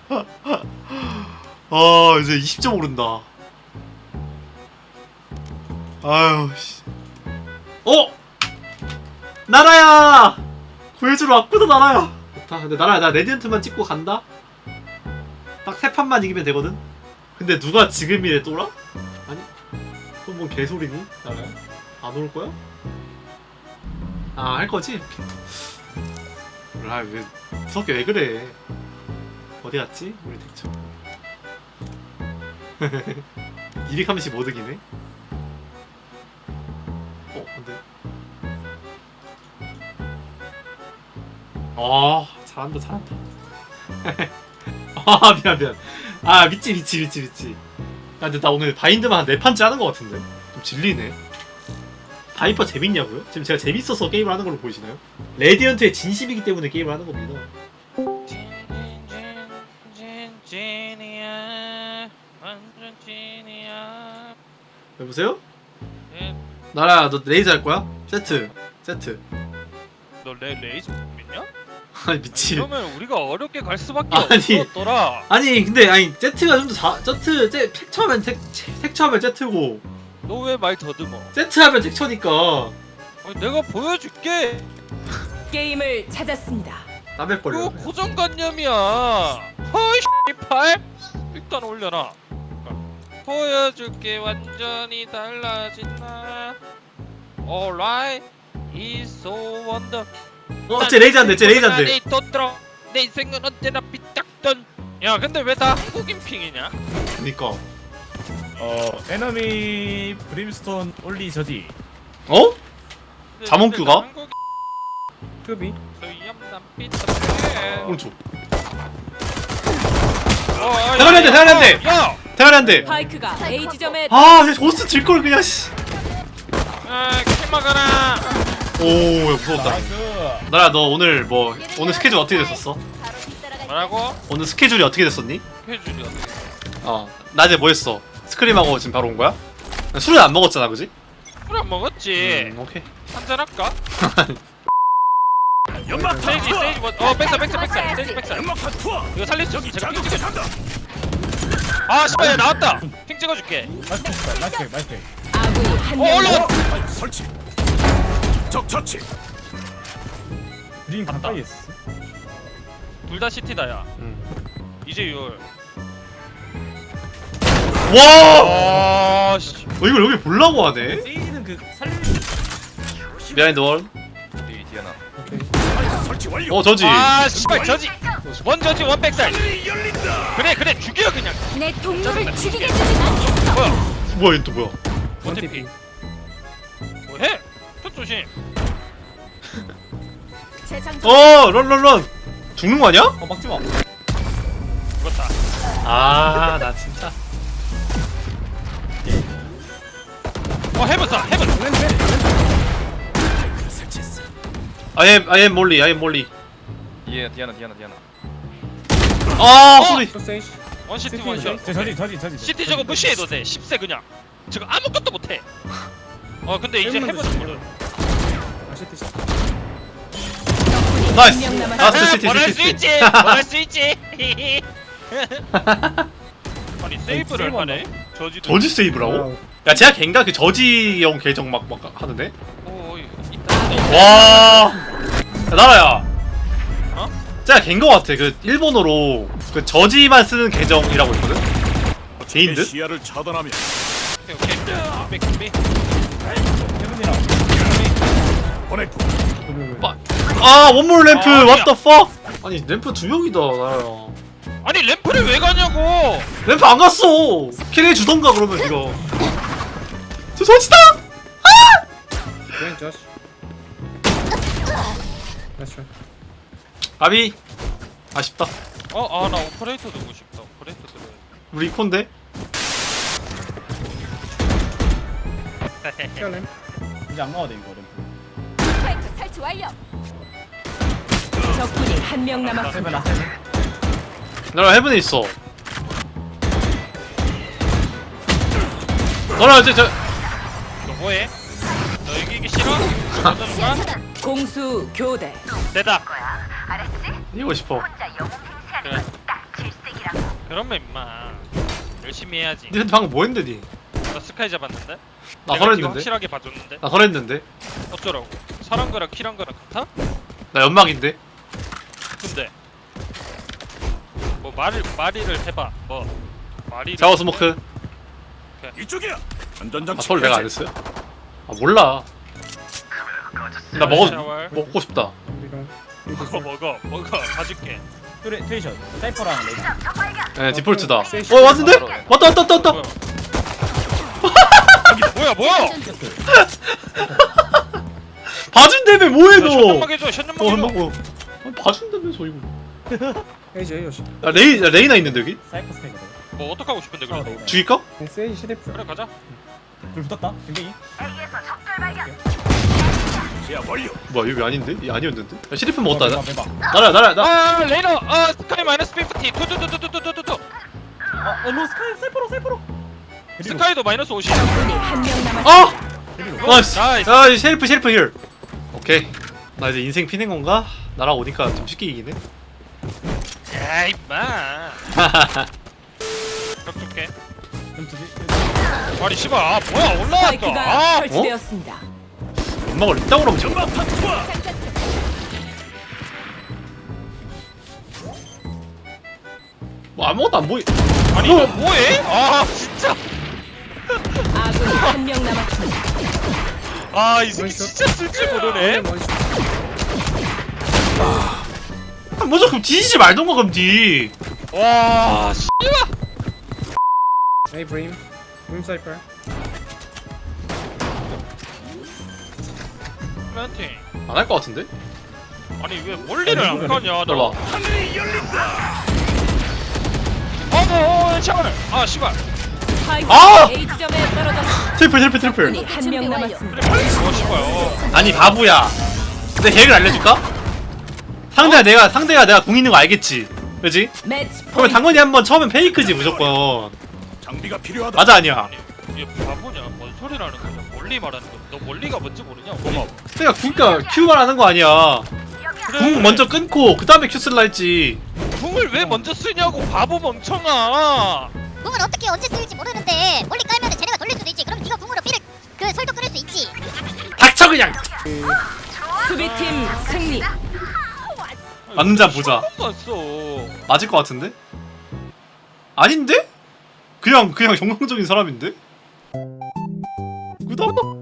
이제 20점 오른다. 아유 씨. 나라야! 구해주러 왔구나 나라야. 좋다. 근데 나라야 나 레디언트만 찍고 간다? 딱 3판만 이기면 되거든? 근데 누가 지금이래 또라? 아니 그건 뭔 개소리니? 나라야? 안 올 거야? 아 할 거지? 아 왜 무섭게 왜 그래? 어디 갔지? 우리 덱처 230 이득이네? 근데 잘한다 미안 미치 근데 나 오늘 바인드만 한 4판째 하는 것 같은데 좀 질리네. 바이퍼 재밌냐고요? 지금 제가 재밌어서 게임을 하는 걸로 보이시나요? 레디언트의 진심이기 때문에 게임을 하는 겁니다. 진이야 완전 진이야. 여보세요? 나라야 너 레이저 할 거야? 세트 너 레이저 믿냐? 아니 미치. 그러면 우리가 어렵게 갈 수밖에 아니. 없었더라. 아니 근데 제트가 좀 더 택처하면 택처하면 제트고 너 왜 말 더듬어? 세트하면 택처니까 아니, 내가 보여줄게. 게임을 찾았습니다. 남의 그거 걸려. 고정관념이야. 허이 씨발. 일단 올려놔. 보여줄게 완전히 달라진 나. Alright, it's so wonder. 쟤 레이저 한대. 내 인생은 언제나 삐딱던. 야 근데 왜 다 한국인 핑이냐? 그니까. 에너미 브림스톤 올리 저지 자몽큐가? 급이 오른쪽. 야! 대가리 한 대. 파이크가 A 지점에 쟤 조스 질걸 그냥 씨. 킬 막아라. 오, 야, 무서웠다. 나이스. 나라 너 오늘 오늘 스케줄 어떻게 됐었어? 뭐라고? 오늘 스케줄이 어떻게 됐었니? 해줄이 어떻게? 낮에 뭐 했어? 스크림하고 지금 바로 온 거야? 술은 안 먹었잖아, 그지? 술안 먹었지. 오케이. 한잔 할까? 세이지 백사. 이거 살릴 수 있어. 제가 핑 찍어줄게. 아 씨발 얘 나왔다. 핑 찍어줄게. 나이스. 아군이 한 명. 올라. 설치. 적 처치. 브림 가까이 했어. 둘 다 시티다야. 이제 6월. 와! 아 씨. 이걸 여기 보려고 하네? 세이지는 그 살림. 비하인드 원. 디아나. 설치 완료. 저지. 아 씨발 저지. 원 저지 원 백살. 그래 죽여 그냥. 내 동료를 죽이게 두진 않겠어. 뭐야, 얘 또 뭐야? 원태피. 뭐해? 첫 조심. 런. 죽는 거 아니야? 막지 마. 죽었다. 나 진짜. 해븐. I am 몰리. 디아나. 소리. 세이지. 원시티 원샷. 저지. 시티 저거 무시해도 돼. 10세 그냥. 저거 아무것도 못해. 근데 이제 해븐은 모르. 나이스. 한명 남았습니다. 시티. 뭐랄 수 있지. 아니 세이브를 하네. 저지도. 저지 세이브라고? 야, 제가 걘가 그 저지형 계정 막 하는데? 오 있다. 와. 야, 나라야. 제가 걘거 같아. 그 일본어로 그 저지만 쓰는 계정이라고 있거든. 개인들? 시야를 차단하며. 오케이. 준비. 보냈고. 원몰 램프. 야. What the fuck? 아니 램프 2명이다 나라야. 아니 램프를 왜 가냐고. 램프 안 갔어. 캐리해 주던가 그러면 이거. 저 저지다. 아비. 아쉽다. 나 오퍼레이터 두고 싶다. 오퍼레이터 들어. 우리 콘데. 이제 안 나와도 돼 이거 램프. 파이크 설치 완료. 적군이 한 명 남았습니다. 나라 헤븐에 있어. 나라 저 너 뭐해? 너 이기기 싫어? 던져줄까? 공수 교대. 내다. 이기고 싶어. 그래. 그러면 임마 열심히 해야지. 니 근데 방금 뭐 했는데 니? 나 스카이 잡았는데? 나 내가 설했는데? 이거 확실하게 봐줬는데? 나 설했는데? 어쩌라고? 사람 거랑 키랑 거랑 같아? 나 연막인데? 근데 뭐 말이를 해봐. 뭐 말이. 샤워 스모크. 이쪽이야. 아 안전장치. 설 내가 안 했어요? 아 몰라. 나 먹고 싶다. 먹어 봐줄게. 트레이션 사이퍼랑 레이나. 네 디폴트다. 세이시. 왔는데? 왔다. 뭐야? 봐준다며 뭐해 너? 션연막 해줘. 션연막 해줘. 한번 봐준다면서 이거. 헤이지 야 레이나 있는데 여기? 사이퍼 스카이거든. 뭐 어떡하고 싶은데 그래도. 레이나. 죽일까? 세이지 시대프 그래 가자. 불 붙었다. 굉장히. 제압 완료. 뭐야 여기 아닌데? 이 아니었는데? 야 시리프 먹었다. 매봐. 나라 나. 아 레이너 스카이 마이너스 50 투투투투투투투 로 사이퍼로. 스카이도 마이너스 50. 적군이 한 명 남았습니다. 아! 나이스. 나이스. 야 셰리프 힐. 오케이. 나 이제 인생 피는 건가? 나랑 오니까 좀 쉽게 이기네. 야 임마. 벽 줄게. 아니 씨발 뭐야 올라왔어. 스파이크가 설치되었습니다. 연막을 이따구로 하면 지금. 뭐 아무것도 안 보이. 아니 이거 뭐해? 아 진짜. 아군이 한 명 남았습니다. 이 새끼 진짜 쓸 줄 모르네. 먼저 그럼 뒤지지 말던가 그럼 뒤. 와 씨. 헤이 브림 사이퍼 플랜팅. 안 할 것 같은데? 아니 왜 멀리를 안 가냐 들어봐. 너. 샤워를. 아 씨발. 스파이크 아! A 지점에 떨어졌습니다. 트리플. 적군이 한 명 남았습니다. 씨발. 아니 바보야. 내 계획을 알려줄까? 상대가 내가 공 있는 거 알겠지. 그지? 매치 그러면 포인트. 당연히 한번 처음엔 페이크지 무조건. 장비가 필요하다. 맞아 아니야. 얘 바보냐? 뭔 소리라는 거야? 멀리 말하는 거. 너 멀리가 뭔지 모르냐? 고마워. 그러니까 Q만 하는 거 아니야. 궁 먼저 끊고 그 다음에 Q 쓸라 했지. 궁을 왜 먼저 쓰냐고 바보 멍청아. 궁을 어떻게 언제 쓸지 모르는데 멀리 깔면 쟤네가 돌릴 수도 있지. 그럼 네가 궁으로 피를 그 설도 끊을 수 있지. 닥쳐 그냥. 수비팀 승리. 맞는지 한번 보자. 봤어. 맞을 것 같은데? 아닌데? 그냥 정상적인 사람인데? 구독.